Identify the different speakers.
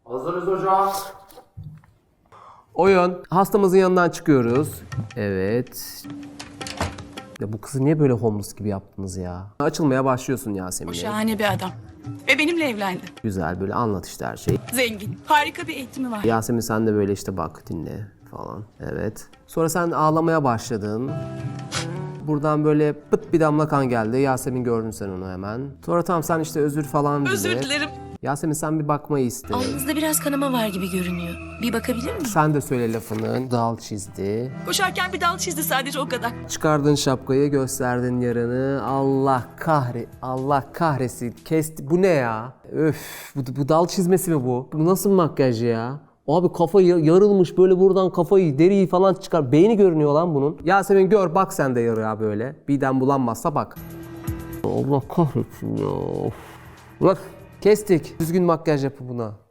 Speaker 1: Hazırız hocam.
Speaker 2: Oyun. Hastamızın yanından çıkıyoruz. Evet. Ya bu kızı niye böyle homeless gibi yaptınız ya? Açılmaya başlıyorsun
Speaker 3: O
Speaker 2: Yasemin'e.
Speaker 3: şahane bir adam. Ve benimle evlendi.
Speaker 2: Güzel böyle anlat işte her şeyi.
Speaker 3: Zengin. Harika bir eğitimi var.
Speaker 2: Yasemin sen de böyle işte bak dinle falan. Evet. Sonra sen ağlamaya başladın. Buradan böyle pıt bir damla kan geldi. Yasemin gördün sen onu hemen. Sonra tamam sen işte özür falan dile.
Speaker 3: Özür dilerim.
Speaker 2: Yasemin sen bir bakmayı iste.
Speaker 4: Alnınızda biraz kanama var gibi görünüyor. Bir bakabilir miyim?
Speaker 2: Sen de söyle lafını. Dal çizdi.
Speaker 3: Koşarken bir dal çizdi sadece o kadar.
Speaker 2: Çıkardın şapkayı, gösterdin yarını. Allah kahretsin. Kesti. Bu ne ya? Öf, bu dal çizmesi mi bu? Bu nasıl bir makyaj ya? Abi kafa yarılmış böyle buradan kafayı, deriyi falan çıkar. Beyni görünüyor lan bunun. Yasemin gör bak sen de yarıya böyle. Birden bulanmazsa bak. Allah kahretsin ya. Bak kestik. Düzgün makyaj yapı buna.